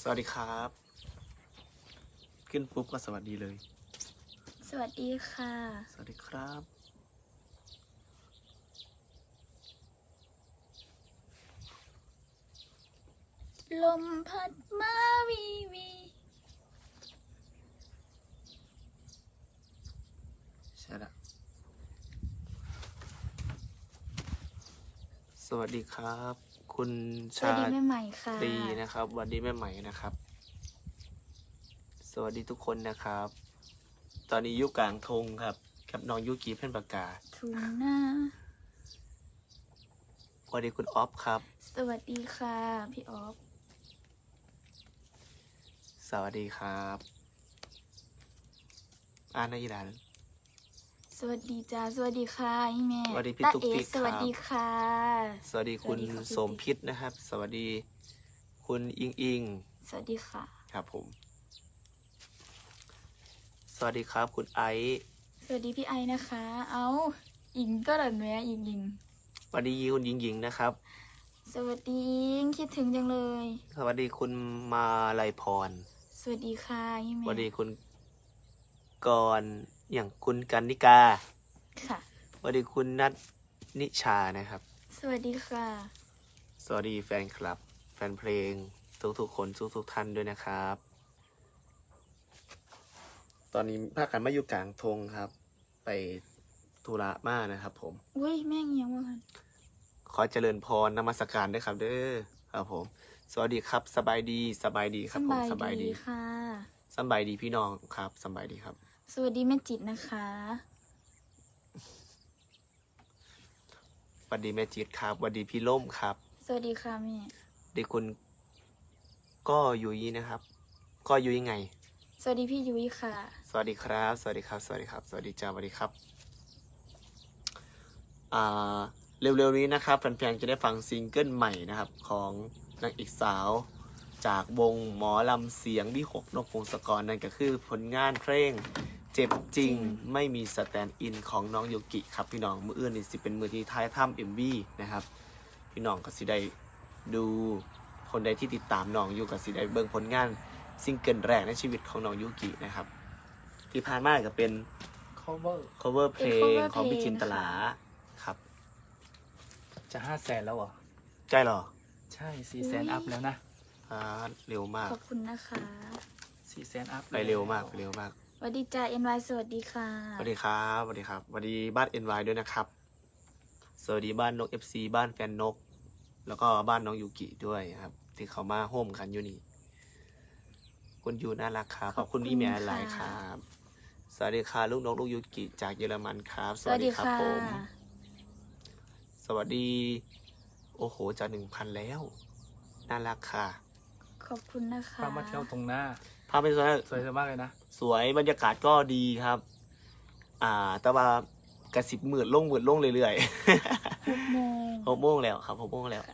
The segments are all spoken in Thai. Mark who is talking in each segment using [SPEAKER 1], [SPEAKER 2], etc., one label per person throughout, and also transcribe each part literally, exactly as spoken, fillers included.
[SPEAKER 1] สวัสดีครับขึ้นปุ๊บก็สวัสดีเลย
[SPEAKER 2] สวัสดีค่ะ
[SPEAKER 1] สวัสดีครับ
[SPEAKER 2] ลมพัดมาวีวี
[SPEAKER 1] ใช่ละสวัสดีครับ คุณ
[SPEAKER 2] สวัส
[SPEAKER 1] ชา
[SPEAKER 2] ดีแม่ใหม่ค่ะ
[SPEAKER 1] ตรีนะครับสวัสดีแม่ใหม่นะครับ สวัสดีทุกคนนะครับ ตอนนี้ยุกลางทงครับกับน้องยุกีเพ่นปากกา
[SPEAKER 2] ทุนหน้า
[SPEAKER 1] สวัสดีคุณออฟครับ
[SPEAKER 2] สวัสดีค่ะพี่ออฟ
[SPEAKER 1] สวัสดีครับอ่านในอีหลาน
[SPEAKER 2] สวัสดีจ้าสวัสดีค่ะพี่แม่
[SPEAKER 1] สวัสดีพี่
[SPEAKER 2] ตา
[SPEAKER 1] ตุ๊ก
[SPEAKER 2] เอ๋
[SPEAKER 1] ติ๊ก
[SPEAKER 2] สวัสดีค่ะ
[SPEAKER 1] สวัสดีคุณ
[SPEAKER 2] สวัสดีครับพี่
[SPEAKER 1] สมพิษนะครับ สวัสดีคุณอิงอิง
[SPEAKER 2] สวัสดีค่ะ
[SPEAKER 1] ครับผม สวัสดีครับคุณไอซ์
[SPEAKER 2] สวัสดีพี่ไอนะคะ เอาอิงก็หล่นแม่อิงอิง
[SPEAKER 1] สวัสดีคุณหญิงหญิงนะครับ
[SPEAKER 2] สวัสดีอิงคิดถึงจังเลย
[SPEAKER 1] สวัสดีคุณมาลัยพร
[SPEAKER 2] สวัสดีค่ะพี่
[SPEAKER 1] ส
[SPEAKER 2] แม่
[SPEAKER 1] วัสดีคุณกรณ์อย่างคุณกันนิกา
[SPEAKER 2] ค่ะ
[SPEAKER 1] สวัสดีคุณนัทนิชานะครับ
[SPEAKER 2] สวัสดีค่ะ
[SPEAKER 1] สวัสดีแฟนคลับ แฟนเพลงทุกๆคนทุกๆท่านด้วยนะครับ ตอนนี้ภาคกันมาอยู่กลางทงครับ ไปธุระมานะครับผม
[SPEAKER 2] อุ้ยแม่งเงียบว่ะ
[SPEAKER 1] ขอเจริญพรนมัสการด้วยครับเด้อครับผม สวัสดีครับสบายดีสบายดีครับผมสบายดี
[SPEAKER 2] ค่ะ
[SPEAKER 1] สบายดีพี่น้องครับสบายดีครับ
[SPEAKER 2] สวัสดีแม่จิตนะคะ
[SPEAKER 1] สวัสดีแม่จิตครับสวัสดีพี่ล่มครับ
[SPEAKER 2] สวัสดีค่ะแม่
[SPEAKER 1] สวัสดีคุณก็ยุ้ยนะครับ ก็ยุ้ยไง
[SPEAKER 2] สวัสดีพี่ยุ้ยค่ะ
[SPEAKER 1] สวัสดีครับ สวัสดีครับ สวัสดีครับ สวัสดีจ้าสวัสดีครับ อ่า เร็วๆนี้นะครับแฟนๆจะได้ฟังซิงเกิลใหม่นะครับ ของนางเอกสาว จากวงหมอลำเสียงวิหกนกพงศกรนั่นก็คือผลงานเพลงเจ็บจริงไม่มีสแตนด์อินของน้องโยกิครับพี่น้องมืออื่นนี่สิเป็นมือที่ท้ายถ้ำเอ็มวีนะครับ พี่น้องก็สิได้ดูคนใดที่ติดตามน้องอยู่ก็สิได้เบิ่งผลงานซิงเกิลแรกในชีวิตของน้องยูกินะครับ ที่ผ่านมาก็เป็น
[SPEAKER 3] cover
[SPEAKER 1] cover เพล
[SPEAKER 2] เป็น cover
[SPEAKER 1] งของพี่
[SPEAKER 2] เพลง
[SPEAKER 1] จินตลา
[SPEAKER 2] นะคะ
[SPEAKER 1] ครับ
[SPEAKER 3] จะห้าแสนแล้วเหรอ
[SPEAKER 1] ใช่เหรอ
[SPEAKER 3] ใช่สี่แสนอัพแล้วนะ
[SPEAKER 1] อ่าเร็วมาก
[SPEAKER 2] ขอบคุณนะคะ
[SPEAKER 3] สี่แสนอัพ
[SPEAKER 1] ไปเร็วมากไปเร็วมาก
[SPEAKER 2] สวัสดีจ้าเอ็นวายสวัสดีค่ะ
[SPEAKER 1] สวัสดีครับสวัสดีครับสวัสดีบ้าน เอ็น วาย ด้วยนะครับ สวัสดีบ้านนก เอฟ ซี บ้านแฟนนก แล้วก็บ้านน้องยูกิด้วยครับ ที่เขามาโฮมกันอยู่นี่ คุณยูน่ารักครับ ขอบคุณพี่แม่หลายครับ สวัสดีค่ะลูกนกลูกยูกิจากเยอรมันครับ
[SPEAKER 2] สวัสดีค่ะ
[SPEAKER 1] ผม สวัสดี โอ้โหจะหนึ่งพันแล้ว น่ารักค่ะ
[SPEAKER 2] ขอบคุณนะคะ
[SPEAKER 3] พามาเที่ยวตรงหน้า
[SPEAKER 1] พาไปสวย
[SPEAKER 3] สวยมากเลยนะ
[SPEAKER 1] สวยบรรยากาศก็ดีครับ อ่า แต่ว่ากระสิบหมื่นลงหมื่นลงเรื่อยๆ
[SPEAKER 2] หกโมง
[SPEAKER 1] หกโมงแล้วครับหกโมงแล้ว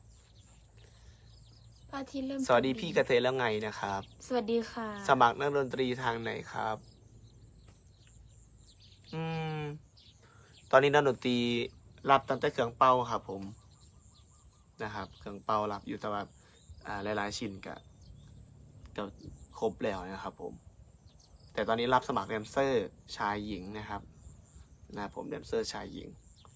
[SPEAKER 2] พระอาทิตย์เริ่ม
[SPEAKER 1] สวัสดีพี่กระเทยแล้วไงนะครับ
[SPEAKER 2] สวัสดีค่ะ
[SPEAKER 1] สมัครนักดนตรีทางไหนครับ อืม ตอนนี้นักดนตรีรับตั้งแต่เครื่องเป่าครับผมนะครับ เครื่องเป่ารับอยู่แต่ว่าอ่าหลายๆชิ้นก็ก็ครบแล้วนะครับผม แต่ตอนนี้รับสมัครแดนเซอร์ชายหญิงนะครับนะครับผมแดนเซอร์ชายหญิง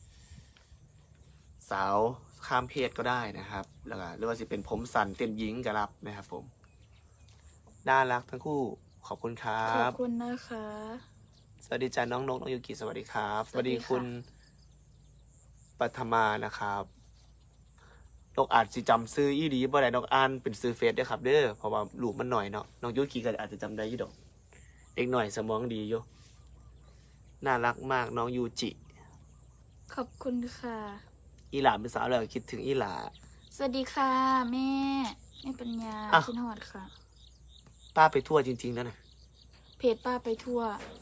[SPEAKER 1] สาวข้ามเพศก็ได้นะครับแล้วก็หรือว่าสิเป็นผมสันเต้นหญิงก็รับนะครับผมน่ารักทั้งคู่ขอบคุณครั
[SPEAKER 2] ขอบบ คุณนะคะ
[SPEAKER 1] สวัสดีจ้าน้องนกน้องยูกิสวัสดีครับ
[SPEAKER 2] สวัสดีค่ะ
[SPEAKER 1] คุณปัทมานะครับนกอาจจะจำซื้ออีดีบ่ได้นกอ่านเป็นซื้อเฟซเด้อครับเด้อเพราะว่าลูกมันหน่อยเนาะน้องยูกิก็อาจจะจำได้ยี่ดอกเด็กหน่อยสมองดีอยู่น่ารักมากน้องยูจิ
[SPEAKER 2] ขอบคุณค่ะ
[SPEAKER 1] อีหลาเป็นสาวแล้วคิดถึงอีหลา
[SPEAKER 2] สวัสดีค่ะ แม่แม่ปัญญา
[SPEAKER 1] อ้าว
[SPEAKER 2] ชินหอดค่ะ
[SPEAKER 1] ป้าไปทั่วจริงๆแล้วนะ
[SPEAKER 2] เพจป้าไปทั่ว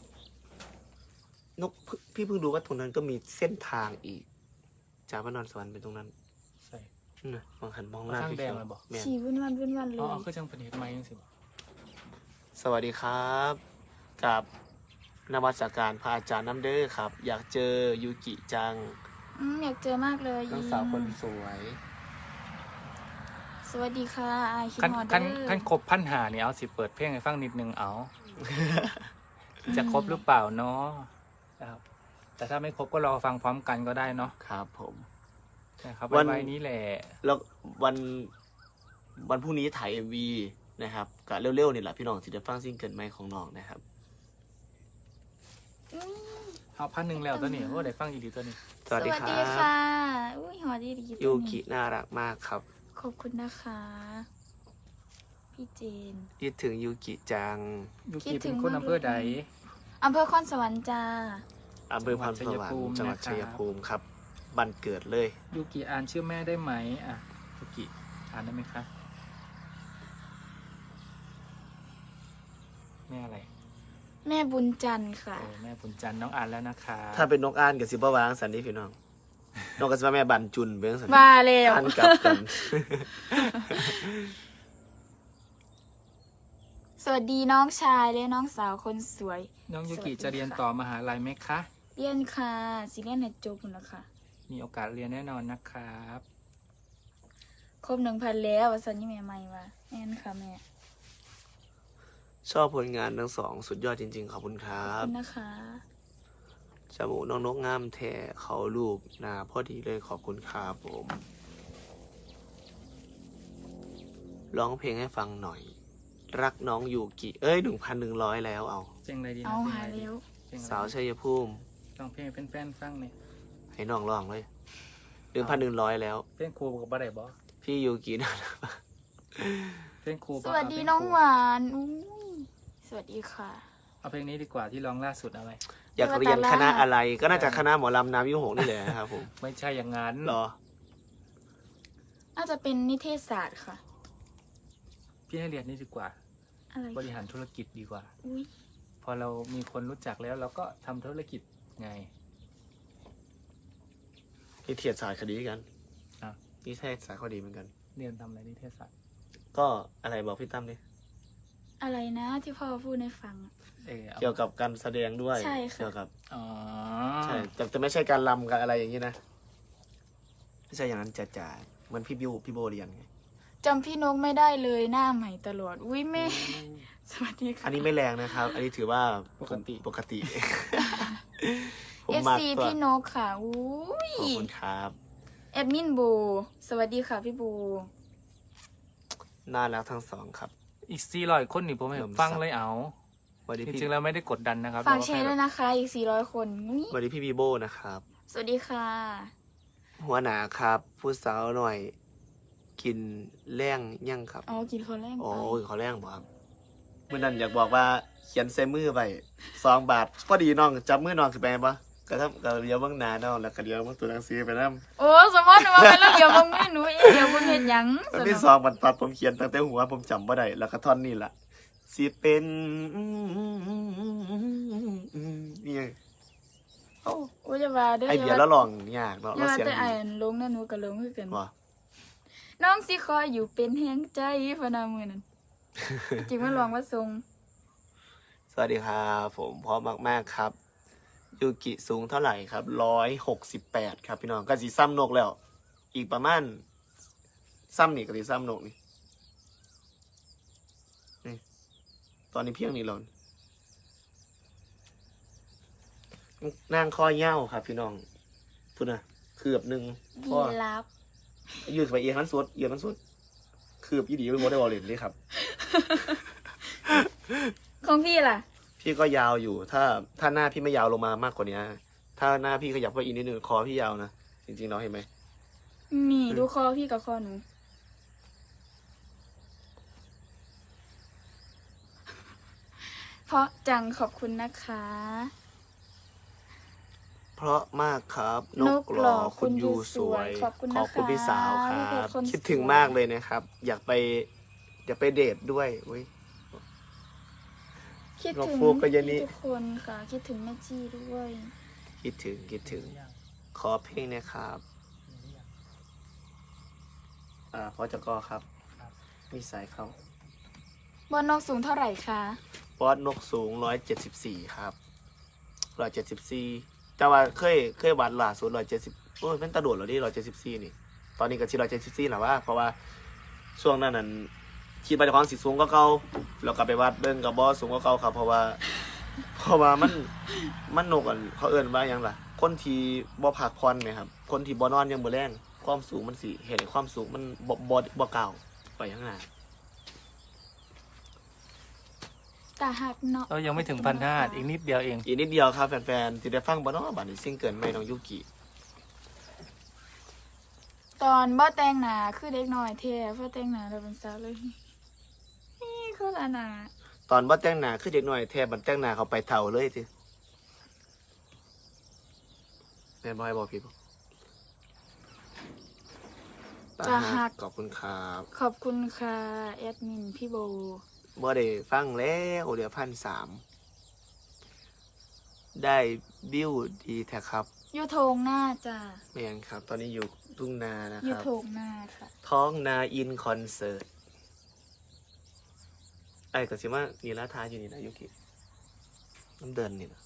[SPEAKER 1] นกเพิ่งพี่เพิ่งดูว่าตรงนั้นก็มีเส้นทางอีก จากพระนอนสวรรค์ไปตรงนั้น
[SPEAKER 3] ใช่
[SPEAKER 1] นั่นนะมองหันมองหน้า
[SPEAKER 3] เอาทาง
[SPEAKER 1] พี่
[SPEAKER 3] แด
[SPEAKER 1] เขี
[SPEAKER 3] ง
[SPEAKER 1] ยว
[SPEAKER 3] เลยบอก
[SPEAKER 1] แม่น
[SPEAKER 2] ฉีวุ่นวันวุ่นวันเล
[SPEAKER 3] อ๋อย คือจังเป็นเหตุไหมยังสิบอก
[SPEAKER 1] สวัสดีครับ กับนมัสการพระอาจารย์น้ำเด้อครับ อยากเจอยูกิจัง
[SPEAKER 2] อืมอยากเจอมากเลย
[SPEAKER 1] น้องสาวคนสวย
[SPEAKER 2] สสวัสดีค่ะอายคิด
[SPEAKER 3] ขั้น
[SPEAKER 2] ฮอดเด้
[SPEAKER 3] ขั้น
[SPEAKER 2] อ
[SPEAKER 3] ขั้นครบพันหาเนี่ยเอาสิเปิดเพลงให้ฟังนิดนึงเอา จะครบหรือเปล่าเนาะนะครับแต่ถ้าไม่ครบก็รอฟังพร้อมกันก็ได้เนาะ
[SPEAKER 1] ครับผม
[SPEAKER 3] นะครับ
[SPEAKER 1] วัน
[SPEAKER 3] ไว้นี้แหละ
[SPEAKER 1] แล้ววันวันพรุ่งนี้ถ่าย เอ็ม วี นะครับกะเร็วๆนี่แหละพี่น้องสิได้ฟังซิงเกิลใหม่ของน้องนะครับ
[SPEAKER 3] เอาพันหนึ่งแล้วตัวนี้โอ้ได้ฟังอีกดีตัวนี้
[SPEAKER 1] สวัสดีครั
[SPEAKER 2] ค่ะ
[SPEAKER 1] บ
[SPEAKER 2] อุ้ยฮอดดีดี
[SPEAKER 1] ยูกิน่ารักมากครับ
[SPEAKER 2] ขอบคุณนะคะ พี่เจน
[SPEAKER 1] คิดถึงยูกิจัง
[SPEAKER 3] ยู
[SPEAKER 2] คิ
[SPEAKER 3] กิ
[SPEAKER 2] ดถึ
[SPEAKER 3] เป็น
[SPEAKER 2] ง
[SPEAKER 3] คน
[SPEAKER 2] มาก
[SPEAKER 3] อำเภอใด
[SPEAKER 2] เลย อำเภอคอนสวรรค์จ้า
[SPEAKER 1] อำเภอพานสวรรค์จังหวัดชัยภูมิครับบันเกิดเลย
[SPEAKER 3] ยูกิอ่านชื่อแม่ได้ไหมอ่ะยูกิอ่านได้ไหมคะแม่อะไร
[SPEAKER 2] แม่บุญจันทร์ค่ะ
[SPEAKER 3] โอ้แม่บุญจันทร์น้องอ่านแล้วนะคะ
[SPEAKER 1] ถ้าเป็นนกอ่านกับสิบวางสันนี่พี่น้อง นกกับสิบแม่บันจุนเบื้องสัน
[SPEAKER 2] มาแล้ว
[SPEAKER 1] อ่านกลับกัน
[SPEAKER 2] สวัสดีน้องชายและน้องสาวคนสวย
[SPEAKER 3] น้องยูกิ
[SPEAKER 2] สวัสดี
[SPEAKER 3] จะเรียน
[SPEAKER 2] ค่ะ
[SPEAKER 3] ต่อมหาลัยไหมคะ
[SPEAKER 2] เรียนค่ะสิเรียนในจบหมดแล้วค่ะ
[SPEAKER 3] มีโอกาสเรียนแน่นอนนะครับ
[SPEAKER 2] ครบหนึ่งพันแล้ววันสันนี่แม่ใหม่ว่าแม่นค่ะแม่
[SPEAKER 1] ชอบผลงานทั้งสองสุดยอดจริงๆ ขอบคุณครั
[SPEAKER 2] ขอบบ คุณนะคะ
[SPEAKER 1] จมูกน้องนกงามแท้เขารูปหนาพอดีเลยขอบคุณครับผมร้องเพลงให้ฟังหน่อย รักน้องยูกิเอ้ยหนึ่งพันหนึ่งร้อยแล้วเอา
[SPEAKER 3] เพลงอะไรดีนะ
[SPEAKER 2] เอา
[SPEAKER 3] เพลง
[SPEAKER 2] หา
[SPEAKER 3] อะไรดี
[SPEAKER 2] แล้ว
[SPEAKER 3] เพลงอะไร
[SPEAKER 1] สาวชัยภูมิ
[SPEAKER 3] ลองเพลงเป็นแฟนฟังเนี่ย
[SPEAKER 1] ให้น้องร้องเลยหนึ่งพันหนึ่งร้อยแล้ว
[SPEAKER 3] เพลงครูกับบ่ได้บ่
[SPEAKER 1] พี่ยูกินะ
[SPEAKER 3] เพลงครู
[SPEAKER 2] ส
[SPEAKER 3] บ่
[SPEAKER 2] วัส
[SPEAKER 3] เา
[SPEAKER 2] ดี
[SPEAKER 3] เพล
[SPEAKER 2] น้อง
[SPEAKER 3] ครู
[SPEAKER 2] หวานอุ้ยสวัสดีค่ะ
[SPEAKER 3] เอาเพลงนี้ดีกว่าที่ร้องล่าสุดเอาไหม
[SPEAKER 1] อยากเรียนคณะอะไรก็น่าจะคณะหมอลำน้ำยุหงนี่แหละครับผม
[SPEAKER 3] ไม่ใช่อย่างนั้น
[SPEAKER 1] เหรอ
[SPEAKER 2] น่าจะเป็นนิเทศศาสตร์ค่ะ
[SPEAKER 3] พี่ให้เรียนนี่ดีกว่า
[SPEAKER 2] อะไร
[SPEAKER 3] บริหารธุรกิจดีกว่า
[SPEAKER 2] อุ้ย
[SPEAKER 3] พอเรามีคนรู้จักแล้วเราก็ทำธุรกิจไง
[SPEAKER 1] นี่เทียดสายคดีกัน
[SPEAKER 3] อ่ะ
[SPEAKER 1] นี่เทศสายคดีเหมือนกัน
[SPEAKER 3] เรียนทำอะไรนิเทศศาสตร์
[SPEAKER 1] ก็อะไรบอกพี่ตั้มดิ
[SPEAKER 2] อะไรนะที่พ่อพูดในฟังอะ
[SPEAKER 3] เออเอา
[SPEAKER 1] เกี่ยวกับการแสดงด้วย
[SPEAKER 2] ใช่ค่ะ
[SPEAKER 1] เกี่ยวกับ
[SPEAKER 3] อ๋อ
[SPEAKER 1] ใช่แต่แต่ไม่ใช่การลำกันอะไรอย่างนี้นะไม่ใช่อย่างนั้นจ๋าจ๋าเหมือนพี่บิวพี่โบเรียนไง
[SPEAKER 2] จำพี่นกไม่ได้เลยหน้าใหม่ตลอด อุ้ยแม่ สวัสดีค่ะ
[SPEAKER 1] อันนี้ไม่แรงนะครับ อันนี้ถือว่า
[SPEAKER 3] ปกติ
[SPEAKER 1] ปกติ ผม
[SPEAKER 2] เอฟ
[SPEAKER 1] มาก
[SPEAKER 2] ซี
[SPEAKER 1] ตัว
[SPEAKER 2] พี่นกค่ะอุ้ย
[SPEAKER 1] ขอบคุณครับ
[SPEAKER 2] แอดมินโบ สวัสดีค่ะพี่โบ
[SPEAKER 1] น่ารักทั้งสองครับ
[SPEAKER 3] อีกสี่ร้อยคนนี่ผมให้
[SPEAKER 1] เริ่ม
[SPEAKER 3] ฟัง
[SPEAKER 1] สับ
[SPEAKER 3] เลยเอา
[SPEAKER 1] สวัสดี
[SPEAKER 3] จ
[SPEAKER 1] พี่
[SPEAKER 3] ริงๆแล้วไม่ได้กดดันนะครับ
[SPEAKER 2] ฝากแชร์
[SPEAKER 3] เร
[SPEAKER 2] ด้วยนะคะ อีกสี่ร้อยคนอุ๊ย
[SPEAKER 1] สวัสดีพี่บีโบนะครับ
[SPEAKER 2] สวัสดีค่ะ
[SPEAKER 1] หัวหนาครับ ผู้สาวหน่อย กินแรงยั่งครับ
[SPEAKER 2] อ๋อกินคนแรก
[SPEAKER 1] โอ้
[SPEAKER 2] ไป
[SPEAKER 1] ยเขาแรงบ่ครับเมื่อนั้นอยากบอกว่าเขียนใส่มือไปสองบาทพอดีน้องจับมือน้องขึ้นไปปะก็ทำก็เลี้ยวเบื้องหน้าน้องแล้วก็เลี้ยวเบื้องตัวหนังสือไปนั่
[SPEAKER 2] โอ้สมมติว่าไปแล้วเดี๋ยวมึงไม่หนูเองเดี๋ยวมึงเห็นหยัง
[SPEAKER 1] ตอน
[SPEAKER 2] ส
[SPEAKER 1] ที่
[SPEAKER 2] นุก
[SPEAKER 1] สองบรรทัดผมเขียนตั้งแต่หัวผมจำบ่ได้แล้วก็ท่อนนี่แหละสิเป็นนี่ไง
[SPEAKER 2] โอ้โอ้จะว่าเด้อ
[SPEAKER 1] ไอเบียร์แล้วลองยากเนาะ
[SPEAKER 2] อ
[SPEAKER 1] แล้ว
[SPEAKER 2] ย่าว่า
[SPEAKER 1] เสียง
[SPEAKER 2] แต่ไอ้
[SPEAKER 1] ดี
[SPEAKER 2] อันลงนั่นหนูก็ลงคือกัน
[SPEAKER 1] ว่ะ
[SPEAKER 2] น้องสิคอยอยู่เป็นแห่งใจพะนามือนั่น จริงว่าลองว่าทรง
[SPEAKER 1] สวัสดีครับผมพร้อมมากๆครับยูกิสูงเท่าไหร่ครับร้อยหกสิบแปดครับพี่น้องก็สีซ้ำนกแล้ว อีกประมาณซ้ำนี่ก็สีซ้ำนกนี่นี่ตอนนี้เพียงนี่หล่นนั่งคอเย้าครับ พี่น้องพูดนะคืบหนึ่ง
[SPEAKER 2] ยี
[SPEAKER 1] พ่อ
[SPEAKER 2] รับ
[SPEAKER 1] ยืดไปเอียงมันสุดเอียงมันสุดคืบยี่ดีไม่โมได้บอลเลนเลยครับ
[SPEAKER 2] ของพี่ล่ะ
[SPEAKER 1] พี่ก็ยาวอยู่ ถ้าถ้าหน้าพี่ไม่ยาวลงมามากกว่านี้ถ้าหน้าพี่ขยับไปอีกนิดนึงคอพี่ยาวนะจริงๆเนาะเห็นไหม
[SPEAKER 2] นี่ดูคอพี่กับคอหนู เพราะจังขอบคุณนะคะ
[SPEAKER 1] เพราะมากครับ น
[SPEAKER 2] น
[SPEAKER 1] ก
[SPEAKER 2] ก
[SPEAKER 1] ห
[SPEAKER 2] หล่
[SPEAKER 1] ล่อ
[SPEAKER 2] อ
[SPEAKER 1] คุณยูสวย
[SPEAKER 2] ขอบคุณ
[SPEAKER 1] ข
[SPEAKER 2] นะคะ
[SPEAKER 1] อบคุณพี่สาวค
[SPEAKER 2] พี่เพ
[SPEAKER 1] รั
[SPEAKER 2] ช
[SPEAKER 1] บ
[SPEAKER 2] รคน
[SPEAKER 1] คิดถึง
[SPEAKER 2] สวย
[SPEAKER 1] มากเลยนะครับ อยากไป อยากไปเดทด้วยอุ้ย
[SPEAKER 2] คิด
[SPEAKER 1] นก
[SPEAKER 2] ถึง
[SPEAKER 1] ฟูกกับเยนนี่
[SPEAKER 2] ทุกคนค่ะ คิดถึงแม่จี้ด้วย
[SPEAKER 1] คิดถึงคิดถึง ขอเพลงเนะครับ อ่าพอจะก็ครับ
[SPEAKER 3] ครับ
[SPEAKER 1] มีสายเข้า
[SPEAKER 2] บนนกสูงเท่าไหร่คะ
[SPEAKER 1] บอสนกสูงร้อยเจ็ดสิบสี่ครับร้อยเจ็ดสิบสี่แต่ว่าเคยเคยวัดล่าสุดร้อยเจ็ดสิบโอ้ยเป็นตะโดดเหรอที่ร้อยเจ็ดสิบสี่นี่ ตอนนี้ก็ที่ร้อยเจ็ดสิบสี่แหละว่า เพราะว่าช่วงนั้นนั้นคิดว่าเจ้าของสิสูงก็เก่าแล้วก็ไปวัดเบิ่งก็บ่สูงก็เก่าครับ เพราะว่า เพราะว่ามันมันนกอันเขาเอิ้นว่าหยังล่ะ คนที่บ่พักผ่อนแหมครับ คนที่บ่นอนยามมื้อแลงความสูงมันสิเฮ็ดให้ความสูงมันบ่บ่บ่ก้าวไปข้างหน้า
[SPEAKER 2] ตาหักเนาะ
[SPEAKER 3] เรายังไม่ถึงพันห้าอีกนิดเดียวเอง
[SPEAKER 1] อีกนิดเดียวครับแฟนๆสิได้ฟังบ่เนาะบัดนี้ซิงเกิลใหม่น้องยูกิ
[SPEAKER 2] ตอนบ่แต่งหน้าคือเด็กน้อยแท้พอแต่งหน้าแล้วเป็นสาวเลยนี่คนละหน้า
[SPEAKER 1] ตอนบ่แต่งหน้าคือเด็กน้อยแท้บัดแต่งหน้าเขาไปเฒ่าเลยติแม่นบ่ให้บอกพี่บ่
[SPEAKER 2] ตาหัก
[SPEAKER 1] ขอบคุณครับ
[SPEAKER 2] ขอบคุณค่ะแอดมินพี่โบ
[SPEAKER 1] บ่ได้ฟังแล้วเดี๋ยวพันสามได้บิวดีแท้ครับ
[SPEAKER 2] อยู่โถงหน้าจ้ะ
[SPEAKER 1] แม่นครับ ตอนนี้อยู่ทุ่งนานะ
[SPEAKER 2] อ
[SPEAKER 1] ค
[SPEAKER 2] ยู่
[SPEAKER 1] รับ
[SPEAKER 2] โถงหน้าค่ะ
[SPEAKER 1] ท้องนาอินคอนเสิร์ตไอ้ก็สิว่านี่ละทาอยู่นี่นะยุกิน้ำเดินนี่นะ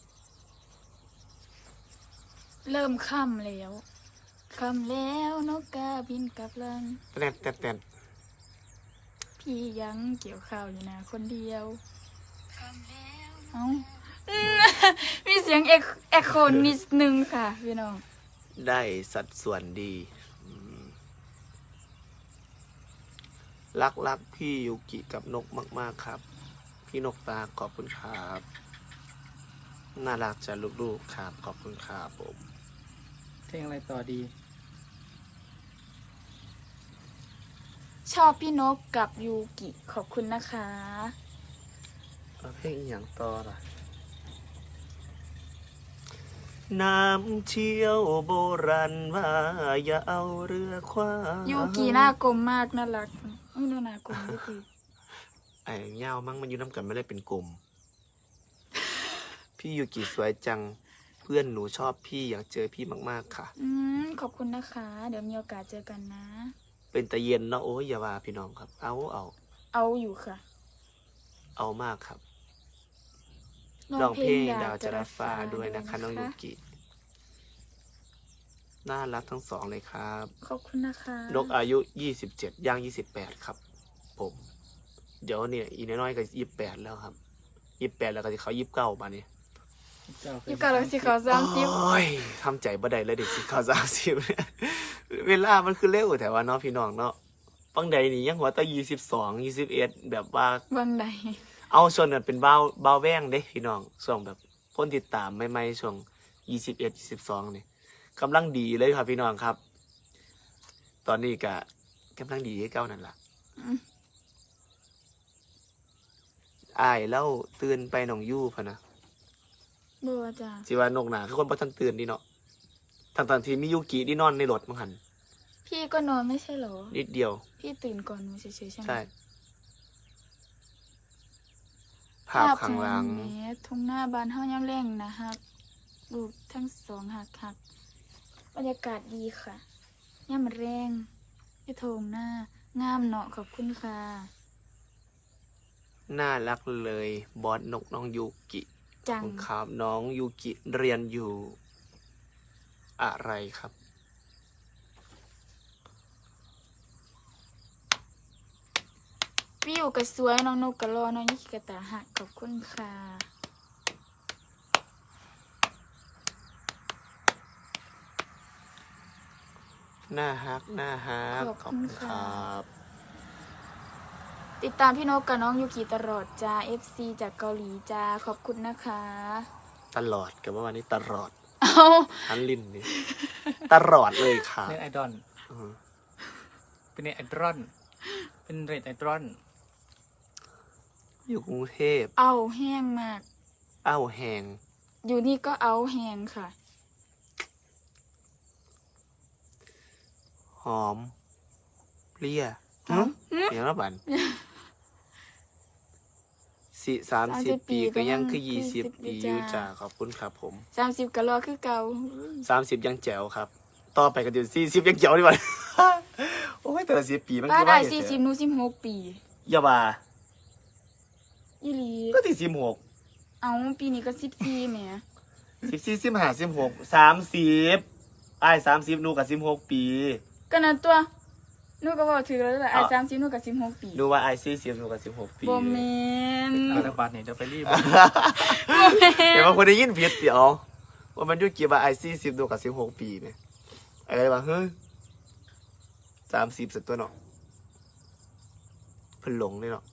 [SPEAKER 2] เริ่มค่ำแล้วค่ำแล้วนกกาบินกลับลัง
[SPEAKER 1] แต้นแต้นแต้น
[SPEAKER 2] พี่ยังเกี่ยวข้าวอยู่นะคนเดียวเอ้า มีเสียงเอกเอกโคนิดนึงค่ะพี่น้อง
[SPEAKER 1] ได้สัดส่วนดีอืมรักรักพี่ยุกิกับนกมาก ๆ ครับ พี่นกตาขอบคุณครับน่ารักจะลูกๆครับ ขอบคุณครับผม
[SPEAKER 3] เพลงอะไรต่อดี
[SPEAKER 2] ชอบพี่นกกับยูกิขอบคุณนะคะ
[SPEAKER 1] เอาเพลงอหย่างต่อล่ะน้ำเชี่ยวโบราณว่าอย่าเอาเรือคว้าง
[SPEAKER 2] ยูกิหน้ากลมมากน่ารักอุ้ยน่าหน้ากลมยูกิ
[SPEAKER 1] ไอ้เงามั้งมันอยู่น้ำกันไม่ได้เป็นกลม พี่ยูกิสวยจัง เพื่อนหนูชอบพี่อยากเจอพี่มากๆค่ะ
[SPEAKER 2] อืมขอบคุณนะคะ เดี๋ยวมีโอกาสเจอกันนะ
[SPEAKER 1] เป็นตะเย็นเนาะโอ้ยอย่าว่าพี่น้องครับ เอาเอา
[SPEAKER 2] เอาอยู่ค่ะ
[SPEAKER 1] เอามากครับร้องเพลงดาวจรัสฟ้าด้วยนะคะน้องยูกิน่ารักทั้งสองเลยครับ
[SPEAKER 2] ขอบคุณนะคะ
[SPEAKER 1] นกอายุยี่สิบเจ็ดย่างยี่สิบแปดครับ ผม เดี๋ยวเนี่ยอีน้อยๆก็ยี่สิบแปดแล้วครับยี่สิบแปดแล้วก็จะเขายี่สิบเก้ามาเนี่ย
[SPEAKER 2] อยู่กับเราสิเขาสามสิบ
[SPEAKER 1] โอ้ยทำใจบ่ได้เลยเด็กสิเขาสามสิบเนี่ยเวลามันคือเร็วแต่ว่าเนาะพี่น้องเนาะฟังใดนี่ยังหัวตายี่สิบสองยี่สิบเอ็ดแบบว่า
[SPEAKER 2] วังใด
[SPEAKER 1] เอาส่วนนั้นเป็นบ้าวบ้าวแว่งเด้พี่น้องช่วงแบบคนติดตามใหม่ๆช่วงยี่สิบเอ็ดยี่สิบสองนี่กำลังดีเลยครับพี่น้องครับ ตอนนี้ก็กำลังดีให้เก้านั่นล่ะ
[SPEAKER 2] อืม
[SPEAKER 1] อ้ายเล่าตื่นไปหนองยู่พะนะ
[SPEAKER 2] บัวจ้ะ
[SPEAKER 1] สิว่านกหนาคือคนบ่ทันตื่นดีเนาะทั้งๆที่มียูกิที่นอนในรถมั้งหัน
[SPEAKER 2] พี่ก็นอนไม่ใช่เหรอ
[SPEAKER 1] นิดเดียว
[SPEAKER 2] พี่ตื่นก่อนหนูเฉยๆใช่ไหม
[SPEAKER 1] ใช่ ภาพข้างหลัง
[SPEAKER 2] แหมทุ่งหน้าบ้านเฮาย่ำแรงนะฮักลูกทั้งสองหักหักบรรยากาศดีค่ะย่ำแรงที่โถงหน้างามเนาะขอบคุณค่ะ
[SPEAKER 1] น่ารักเลยบอสนกน้องยูกิ
[SPEAKER 2] จัง
[SPEAKER 1] ครับน้องยูกิเรียนอยู่อะไรครับ
[SPEAKER 2] พี่อยู่กับสวยน้องนกกะรอน้องยิกกะตาหักขอบคุณค่ะ
[SPEAKER 1] หน้าฮักหน้าฮัก
[SPEAKER 2] ขอบคุณค่ะ
[SPEAKER 1] รับ
[SPEAKER 2] ติดตามพี่นกกับน้องยูกิตลอดจ้า เอฟ ซี จากเกาหลีจ้าขอบคุณนะคะ
[SPEAKER 1] ตลอดกับว่าวันนี้ตลอด
[SPEAKER 2] เอา
[SPEAKER 1] ทันลินนี่ ตลอดเลยค่ะ
[SPEAKER 3] เน็ตไอดอล
[SPEAKER 1] อืม
[SPEAKER 3] เป็นเน็ตไอดอลเป็นเน็ตไอดอล
[SPEAKER 1] อยู่กรุงเทพ
[SPEAKER 2] เอาแห้งมาก
[SPEAKER 1] อ้าวแหง
[SPEAKER 2] อยู่นี่ก็เอาแห้งค่ะ
[SPEAKER 1] หอมเปรี้ย
[SPEAKER 2] เอ้า
[SPEAKER 1] เดี๋ยวนะบันสิสามสิบปีก็ยังคือยี่สิบปีอยู่จ้าขอบคุณครับผม
[SPEAKER 2] สามสิบกะรอคือเก่า
[SPEAKER 1] สามสิบยังแจ๋วครับ ต่อไปก็เดี๋ยวสี่สิบยังแจ๋วดีกว่า โอ้ยแต่ละสิบปีมัน
[SPEAKER 2] ป้า
[SPEAKER 1] คือ
[SPEAKER 2] ได้
[SPEAKER 1] ว่า
[SPEAKER 2] สี่สิบหนูสิบหกปี
[SPEAKER 1] อย่าว่า
[SPEAKER 2] อีหลี
[SPEAKER 1] ก็ที่สิบหก
[SPEAKER 2] เอาปีนี้ก็สิบสี่แหม
[SPEAKER 1] สิบสี่สิบห้าสิบหกสามสิบไอ้สามสิบนูกับสิบหกปี
[SPEAKER 2] ก็นั่นตัวหนูก็บอกถือแล้วแหละไอ้สามสิบหนูกับสิบหกปี
[SPEAKER 1] ดูว่าไอซีซีหนูกับสิบหกปี
[SPEAKER 2] บ่แม่น
[SPEAKER 3] เอาละบาทนี่เดี๋ยวไปรีบ
[SPEAKER 2] บ่แม่
[SPEAKER 1] เดี๋ยวน บางคนได้ยินผิดเดี๋ยวว่ามันอยุกี่ว่าไอซีซีหนูกับสิบหกปีเนี่ยอะไรวะเฮ้ยสามสิบสักตัวเนาะเพิ่นหลงเลยเนาะ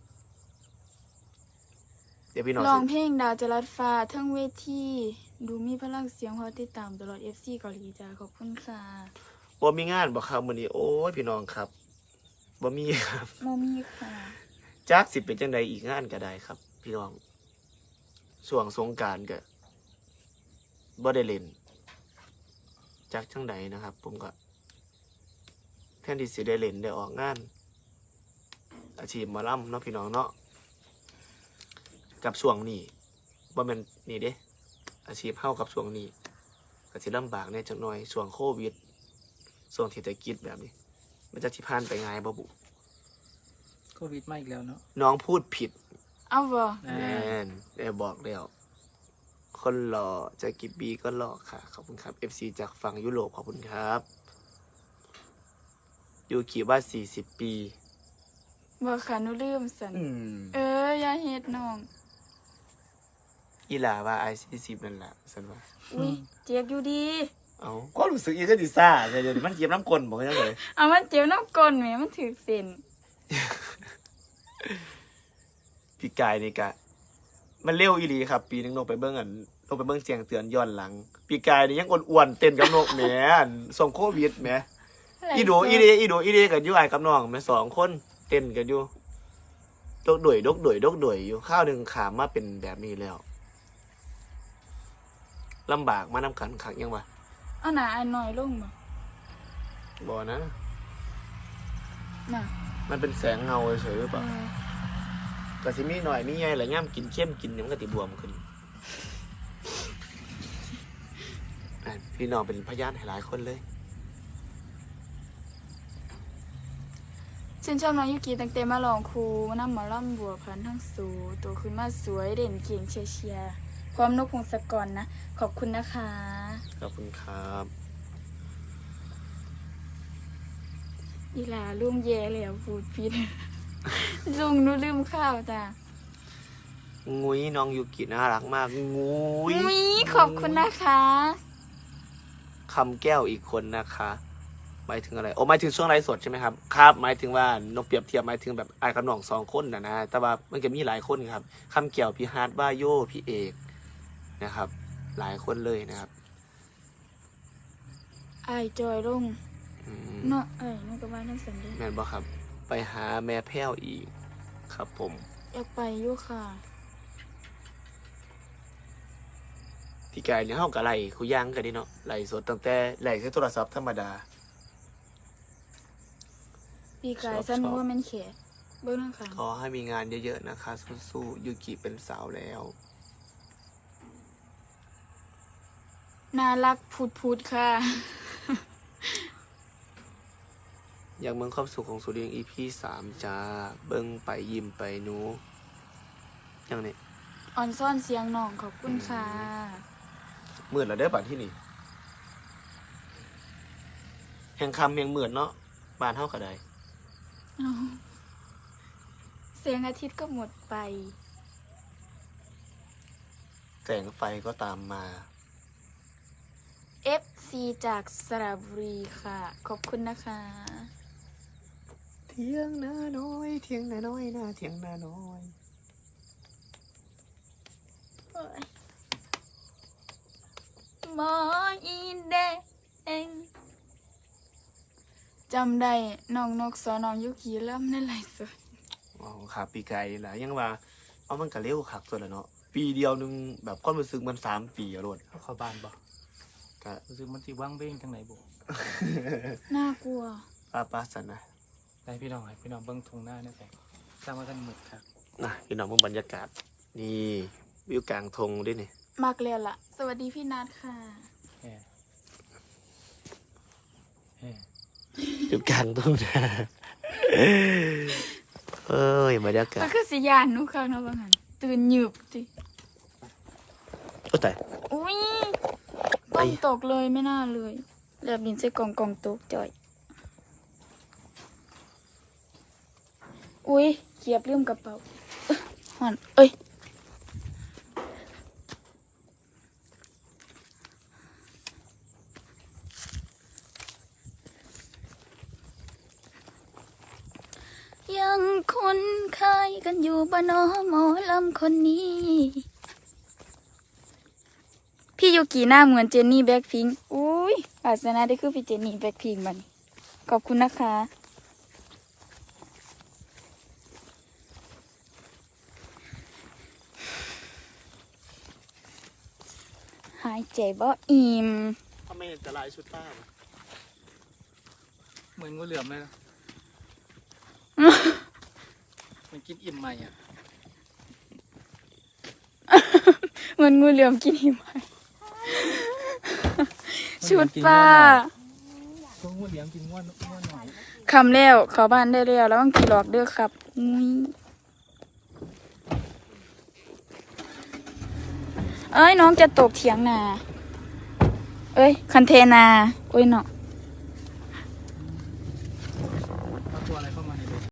[SPEAKER 1] เดี๋ยวพี่น้อง
[SPEAKER 2] ร้อง
[SPEAKER 1] สิ
[SPEAKER 2] เพลงดาวจรัสฟ้าทั้งเวทีดูมีพลังเสียงพอติดตามตลอด เอฟ ซี เกาหลีจ้าขอบคุณค่ะ
[SPEAKER 1] บ่มีงานบ่ครับมื้อนี้โอ้ยพี่น้องครับบ่มีครับ
[SPEAKER 2] โมมี่ค่ะ
[SPEAKER 1] จักสิเป็นจังใดอีกงานก็ได้ครับ พี่น้องช่วงสงกรานต์ก็บ่ได้เล่นจักจังใดนะครับ ผมก็แทนที่สิได้เล่นได้ออกงาน อาชีพหมอลำเนาะพี่น้องเนาะกับช่วงนี้บ่แม่นนี่เด้อาชีพเฮากับช่วงนี้ก็สิลำบากแหน่จักหน่อยช่วงโควิดช่วงเศรษฐกิจแบบนี้ มันจะสิผ่านไปง่ายบ่บุ
[SPEAKER 3] โควิดมาอีกแล้วเนาะ
[SPEAKER 1] น้องพูดผิด
[SPEAKER 2] เอาบ่
[SPEAKER 3] อ่า
[SPEAKER 1] แน่นได้บอกแล้วคนหล่อจะกี่ปีก็หล่อค่ะ ขอบคุณครับ เอฟ ซี จากฝั่งยุโรปขอบคุณครับยูคิว่าสี่สิบปี
[SPEAKER 2] บ่ค่ะหนูลืมสัน
[SPEAKER 1] อืม
[SPEAKER 2] เอออย่าเฮ็ดน้อง
[SPEAKER 1] อีหลาว่าไอซีสิบนั่นแหละสันว่า
[SPEAKER 2] อุ้ยเจ็บอยู่ดี
[SPEAKER 1] เอาก็รู้สึกอีกก็ดิซ่าแต่เดี๋ยวมันเก็บน้ำกลนบอกให้เลย
[SPEAKER 2] เอามันเจ็บน้ำก้นแหมมันถือเส้น
[SPEAKER 1] พี่กายนี่กะ มันเร็วอีหลีครับ ปีนึงลงไปเบิ้งอันลงไปเบิ้งเสียงเตือนย้อนหลัง พี่กายนี่ยังอ้วนๆเต้นกับนกแหมอันส่งโควิดแหม อีโดอีเดอีโดอีเดกันอยู่ไอ้กับน้องแม่สองคนเต้นกันอยู่ดกด่วยดกด่วยดกด่วยอยู่ข้าวหนึ่งขามมาเป็นแบบนี้แล้วลำบากมานำกันขังยังวะ
[SPEAKER 2] เอาหนาอันหน่อยลงบ่
[SPEAKER 1] บ่นะ
[SPEAKER 2] น่ะ
[SPEAKER 1] มันเป็นแสงเงาเฉยๆหรือเป
[SPEAKER 2] เอ
[SPEAKER 1] ล่า
[SPEAKER 2] อ
[SPEAKER 1] ก็สิมีหน่อยมีใหญ่แหละย่ำกินเข้มกินเนี่ยมันก็ติบวมขึ้นอ่ะพี่น้องเป็นพยานให้หลายคนเลย
[SPEAKER 2] ฉันชอบน้องยุกิตั้งแต่มาลองครูนำหมอลำบัวพันธุ์ทั้งสูโตขึ้นมาสวยเด่นเก่งเชียร์เชียร์พร้อมนกพงศกรนะ ขอบคุณนะคะ
[SPEAKER 1] ขอบคุณครับ
[SPEAKER 2] อีหลาลุงแย่แล้วพูดผิด ลุงหนูลืมข้าวจ้ะ
[SPEAKER 1] งุ้ยน้องยูกิน่ารักมากงุ้ย
[SPEAKER 2] อุ้ยขอบคุณนะคะ
[SPEAKER 1] คำแก้วอีกคนนะคะหมายถึงอะไรโอ้หมายถึงช่วงไลฟ์สดใช่ไหมครับครับหมายถึงว่านกเปรียบเทียบหมายถึงแบบไอ้กับน้องสองคนนะนะแต่ว่ามันก็มีหลายคนครับคำแก้วพี่ฮาร์ดว่าโยพี่เอกนะครับ หลายคนเลยนะครับ
[SPEAKER 2] ไอายจอยลง
[SPEAKER 1] อืม
[SPEAKER 2] เนาะเอ้ยนั่นก็ว่านั่นสันเด
[SPEAKER 1] แม่นบ่ครับ ไปหาแม่แพ้วอีกครับผม
[SPEAKER 2] อยากไปอยู่ค่ะ
[SPEAKER 1] พี่กายเนี่ยเฮากับไหลคุยย่างกันดิเนาะไหลสดตั้งแต่ไหลใช้โทรศัพท์ธรรมดา
[SPEAKER 2] ปีกาย
[SPEAKER 1] ชอบ
[SPEAKER 2] สนุก
[SPEAKER 1] ชอบ
[SPEAKER 2] ว่ามันแขกเบิ้งนั่งค่ะ
[SPEAKER 1] ขอให้มีงานเยอะๆนะคะสู้ๆยูกิเป็นสาวแล้ว
[SPEAKER 2] น่ารักพูดพูดค่ะ
[SPEAKER 1] อยากเมืองความสุขของสุริยงอีพีสามจ้าเบิ้งไปยิ้มไปหนูยังเนี่ย
[SPEAKER 2] อ่อนซ่อนเสียงน้องขอบคุณค่ะ
[SPEAKER 1] หมื่นแล้วได้อบ้านที่นี่แห่งคำแห่งหมื่นเนาะบ้านเท่ากับใด
[SPEAKER 2] เอาเสียงอาทิตย์ก็หมดไป
[SPEAKER 1] แสงไฟก็ตามมา
[SPEAKER 2] เอฟ ซี จากสระบุรีค่ะ ขอบคุณนะคะ
[SPEAKER 1] เทียงนาน้อยเทียงนาน้อยนาเทียงนาน้อย
[SPEAKER 2] หมออีแดงจำได้น้องนกสอนน้องยุกีเริ่มในไลฟ์สด
[SPEAKER 1] อ๋อครับปีไก่แหละยังว่าเอามันก็เร็วคักตัวละเนาะปีเดียวหนึงแบบความรู้สึกมันสามปีอะโลด
[SPEAKER 3] เขาเข้าบ้านบ่
[SPEAKER 1] ก็
[SPEAKER 3] รู้สึกมันสิว่างเบ้งจังไหนบ่
[SPEAKER 2] น่ากลัว
[SPEAKER 1] ป้าป้าสันนะ
[SPEAKER 3] ได้พี่น้องให้พี่น้องเบิ่งทุ่งหน้าเนี่ยแต่สร้างว่าท่านหมึกครับ
[SPEAKER 1] นะพี่น้องเบิ่งบรรยากาศ นี่วิวกลางทงด้วยนี่
[SPEAKER 2] มากเลยล่ะ สวัสดีพี่นัทค่ะ
[SPEAKER 3] แฮ่แฮ่
[SPEAKER 1] วิวกลางทงนะเอ้ยบรรยากา
[SPEAKER 2] ก็
[SPEAKER 1] ศ
[SPEAKER 2] คือสิยานหนุค่ะเนาะบางหันตื่นหยืบจิ
[SPEAKER 1] โอ้แต่
[SPEAKER 2] อุ้ยกล่องตกเลยไม่น่าเลยแบบดินใส่กล่องกล่องตกจ่อยอุ้ยเกียบลืมกระเป๋าเอ้ยหอนเอ้ยยังคุ้นเคยกันอยู่บ้านนอหมอลำคนนี้ พี่ยูกิหน้าเหมือนเจนนี่แบ็คพิงค์อุ้ยอาสนะได้คือพี่เจนนี่แบ็คพิงค์มันขอบคุณนะคะ หายใจบ่อิ่ม
[SPEAKER 1] ทำไมเห็นแต่ลายชุดป้าล่ะ
[SPEAKER 3] เหมือนงูเหลือมเลยนะ มันกินอิ่มใหม่อ่ะ
[SPEAKER 2] เหมือนงูเหลือมกินหิมะชุดป้า
[SPEAKER 3] ตัวงูเหลือมกินง่วนง่วนหน่อย
[SPEAKER 2] คำแล้วเข้าบ้านได้แล้วแล้วบางทีหลอกเด้อครับอุ้ยเอ้ยน้องจะตกเถียงนาเอ้ยคันเทนาโอ้ยเนาะ